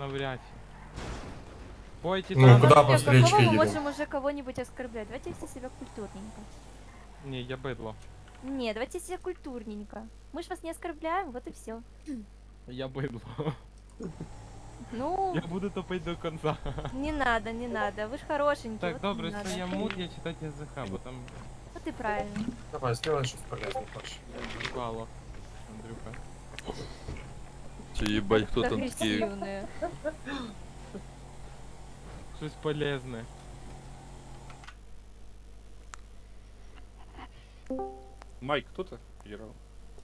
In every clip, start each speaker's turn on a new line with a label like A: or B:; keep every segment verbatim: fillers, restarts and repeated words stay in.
A: навряд чи. Пойте
B: Ну,
A: там.
B: куда
C: Какого
B: по встречке
C: мы
B: едем?
C: можем уже кого-нибудь оскорблять? Давайте вести себя культурненько.
A: Ні, я бидло.
C: Не, давайте себя культурненько. Мы ж вас не оскорбляем, вот и все.
A: Я бидло.
C: Ну,
A: Я буду топить до конца.
C: не надо, не надо. Вы ж хорошенький.
A: Так,
C: вот
A: добре,
C: не надо.
A: що я мут, я читати язика, бо там
C: Вот и правильно.
B: Давай, сделай что-то полезное, Паш.
A: впало. Андрюха.
D: Чи їбать, хто там такий?
C: Агрессивные.
A: Щось полезне.
D: Майк, хто ти? Герал.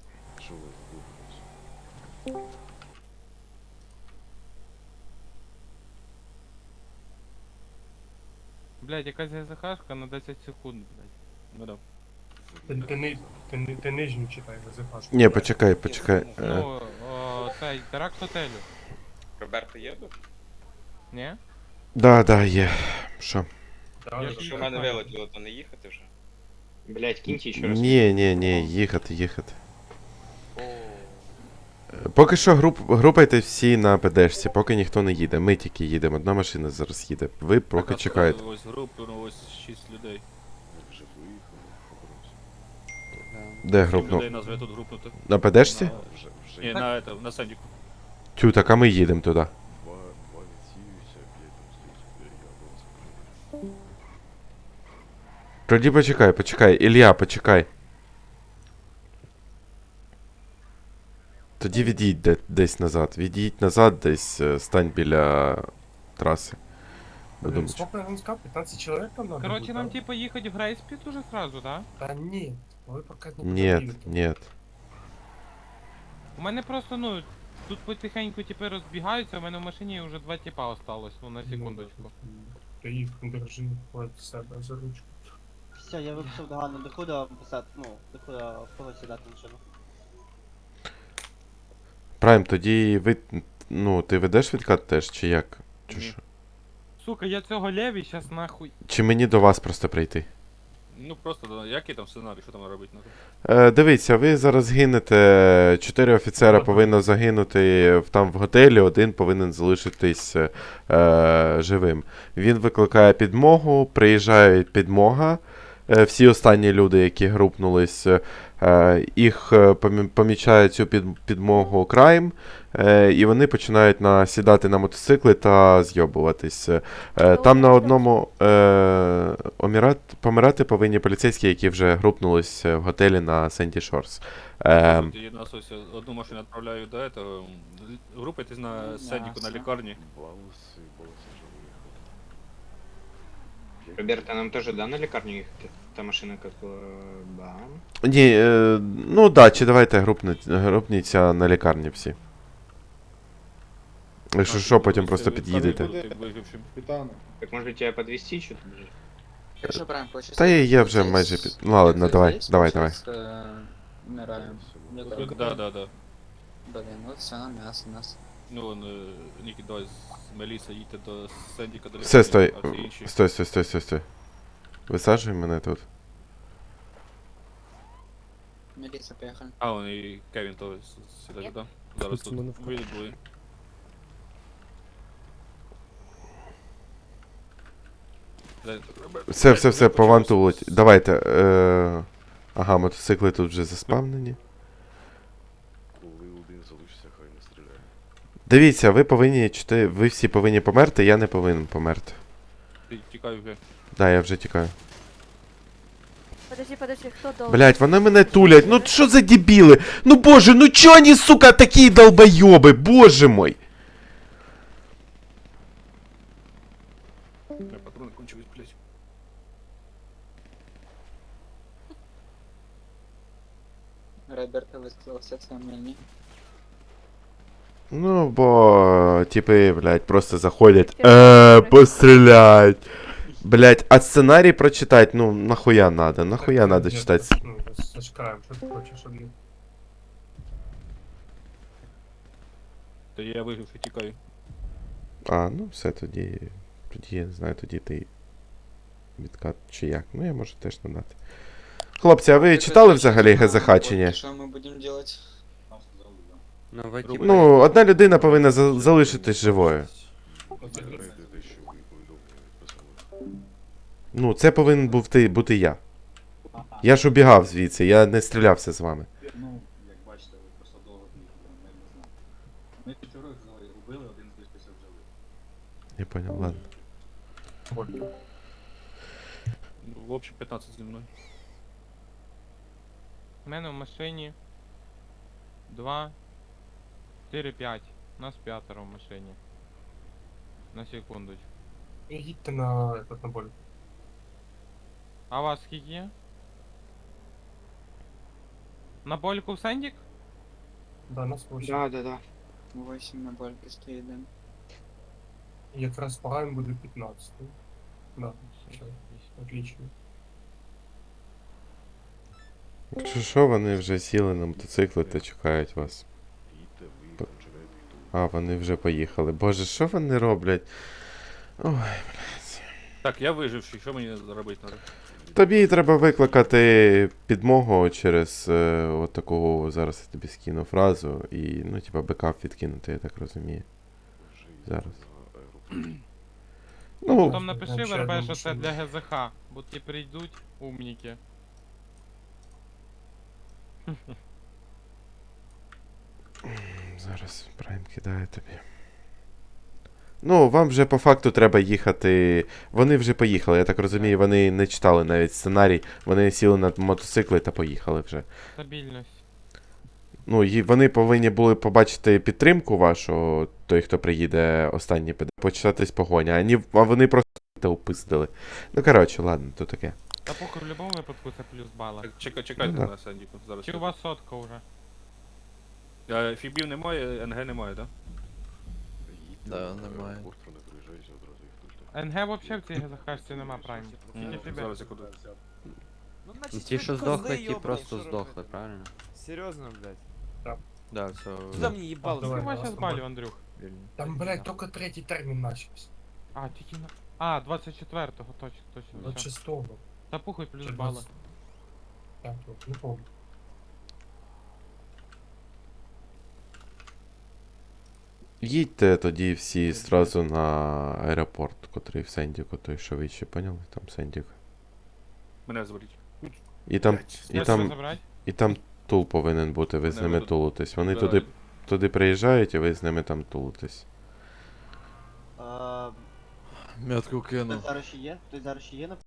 A: Блядь, якась ГЗХшка на десять секунд, блядь.
D: Ну да.
B: Ты, ты, ни- ты, ни- ты нижнюю читай, вызывашь.
E: Ні, почекай, почекай. Е,
A: Ну, о, цей, теракт готелю.
F: Роберто є тут?
A: Ні?
E: Да, да, є. Що?
B: Да,
A: Я
B: да,
A: ж
F: Що
B: да.
F: в мене вилетіло, то не їхати вже? Блять, кіньте ще раз.
E: Ні, ні, ні, їхати, їхати.
F: О,
E: Е, Поки що груп, групайте всі на ПДшці, поки ніхто не їде. Ми тільки їдемо, одна машина зараз їде. Ви поки
D: Так,
E: чекаєте.
D: Ось групи, ну ось шість людей.
E: Де
D: Сім
E: групну?
D: людей назве тут групнути.
E: На ПДшці?
D: На... Ні, на это, на Сендіку.
E: Тю, так а ми їдемо туди. Тоді почекай, почекай. Ілля, почекай. Тоді від'їдь де- десь назад. Від'їдь назад десь, е, стань біля траси.
B: Блин,
E: Будемо.
B: сколько нам сказал? пятнадцать человек там надо
A: Короче,
B: будет,
A: нам
B: да?
A: типа їхати в Грейспіт уже сразу, да?
B: Да нет, вы пока не
E: Нет,
B: подъедете.
E: нет.
A: У мене просто, ну, тут потихеньку типи розбігаються, у мене в машині вже два типа осталось, ну на секундочку.
B: Ты их держи, вот себя за ручку.
G: Все, я виписав догану до худа писати, ну, до худа в кого сідати машину.
E: Прайм, тоді ви. Ну, ти ведеш відкат теж, чи як? Чи
D: Ні.
E: що?
A: Сука, я цього леві щас нахуй.
E: Чи мені до вас просто прийти?
D: Ну просто, да, який там сценарій, що там робити надо?
E: Е, дивіться, ви зараз гинете. Чотири офіцера повинно загинути в- там в готелі, один повинен залишитись е, живим. Він викликає підмогу, приїжджає підмога. Е, всі останні люди, які групнулись, е, їх е, помі- помічає цю під, підмогу крайм, е, і вони починають насідати на мотоцикли та зйобуватись. Е, там на одному е, омірат, помирати повинні поліцейські, які вже групнулись в готелі на Сенді Шорс. Е,
D: Я на ось одну машину відправляю до этого. Групайтесь на Сендіку на лікарні.
F: Роберто, нам теж да на лікарню їхати? Та машина як е, бам.
E: ні, е, ну да, чи давайте групнуть, групніться на лікарні всі. Якщо що, потім просто під'їдете.
D: Вигрівшим.
F: Так може тебе підвезти чи тут? же?
H: Якщо прям хочеш.
E: Та я, я вже майже під... Ну ладно, давай, давай, давай.
H: Вмираємо.
D: Да, да, да.
H: Блін, от все на м'ясо нас.
D: Ну, вон, е, Нікі, давай з Меліса їдьте до Сендіка до лікарні.
E: Все, стой.
D: А всі інші.
E: Стой, стой, стой, стой, стой. Висаджуй мене тут.
H: Меліса, поїхали.
D: А, он і Кевін то сідає, да? Зараз тут вийдуть двоє. Дай-
E: Все, все, все, по ванту влеть. Давайте. Е... Ага, мотоцикли тут вже заспавнені. Дивіться, ви повинні чотири. Ви всі повинні померти, я не повинен померти.
D: Ти тікай вже.
E: Да, я вже тікаю.
C: Подожди, подожди, кто должен?
E: Блять, вони мене тулять. Ну що за дебіли? Ну боже, ну чо вони, сука, такі долбойоби? Боже мой.
D: Я патрони кончились, блядь.
H: Роберто вистрілився це мені.
E: Ну, бо типи, блядь, просто заходять. Е, пострілять. Блять, а сценарій прочитать, ну, нахуя надо? Нахуя
B: Так,
E: надо
B: нет,
E: читать?
B: Ну, зачекаем, что ты хочешь от них?
D: Та я вигрівши тікаю.
E: А, ну все, тоді. Тоді я не знаю, тоді ти. Відкат чи як. Ну я можу теж надати. Хлопці, а ви читали взагалі ГЗХ чи ні?
H: Що ми будемо робити?
I: Ну,
E: Ну, одна людина повинна за- залишитись живою.
B: Оце
E: Ну, це повинен був ти, бути я. Я ж убігав звідси, я не стрілявся з вами.
J: Ну, як бачите, ви просто довго бігли, ми не знаємо. Ми чотирьох убили, один залишився в живих.
E: Я понял, ладно.
D: Ну, в общем, п'ятнадцять зі мною.
A: У мене в машині два, чотири, п'ять. Нас п'ятеро в машині. На секундочку.
B: Їдьте на, этот, на боль.
A: А вас скільки є? На больку в Сендік?
B: Да, нас восемь.
F: Да, да, да.
H: восемь на бальки стоїть один.
B: Якраз по гайм буде п'ятнадцять. Да, все, отлично.
E: Якщо що, вони вже сіли на мотоцикли та чекають вас. П- А, вони вже поїхали. Боже, що вони роблять? Ой, блядь.
D: Так, я виживший, що мені робити треба?
E: Тобі треба викликати підмогу через е, от таку, зараз я тобі скину фразу і, ну, типа, бекап відкинути, я так розумію. Зараз. Ну,
A: Потім напиши
B: ще
A: ВРБ,
B: одну
A: що це
B: машину.
A: для ГЗХ, бо ті прийдуть умніки.
E: зараз Прайм кидає тобі. Ну, вам вже по факту треба їхати. Вони вже поїхали, я так розумію, вони не читали навіть сценарій, вони сіли на мотоцикли та поїхали вже.
A: Стабільність.
E: Ну, і вони повинні були побачити підтримку вашу, той, хто приїде останній, піде, початись погоня, а, ні, а вони просто та упиздили. Ну, коротше, ладно, то таке.
A: Та похуй в будь-якому випадку це плюс бала.
D: Так, чекай, чекайте
E: Ну, да.
D: на Сендіку. Зараз.
A: Чи у вас сотка вже?
D: Е, Фібів немає, НГ немає, так?
I: Да, немає.
A: НГ вообще в цій ГЗХшці нема прайм.
D: Да?
A: Тільки тебе.
D: Зараз секунду.
I: Ну, ті, що здохли, ті просто здохли, правильно?
K: Серьезно, блядь?
I: Да, все.
K: Куда мне ебало?
B: Давай,
A: Ти
B: давай,
A: Вася
B: давай.
A: збалів, Андрюх.
I: вільно.
B: Там, блядь, только третій термін начався.
A: А, тільки на... А, двадцять четвертого, точно, точно.
B: двадцять
A: Все.
B: шестого.
A: Та похуй плюс
B: Чи
A: бали.
B: двадцять п'ятого, не помню.
E: Їдьте тоді всі зразу на аеропорт, котрий в Сендіку, той, що ви ще поняли, там Сендік.
D: Мене зберіть.
E: І там, і
A: Я
E: там,
A: тебе забрать?
E: і там тул повинен бути, ви з
D: Не,
E: ними
D: ви тут
E: тулитесь. Вони
D: збираю.
E: туди, туди приїжджають, і ви з ними там тулитесь.
G: А,
I: Метку
G: Хтось
I: кину.
G: зараз ще є? Хтось зараз ще є на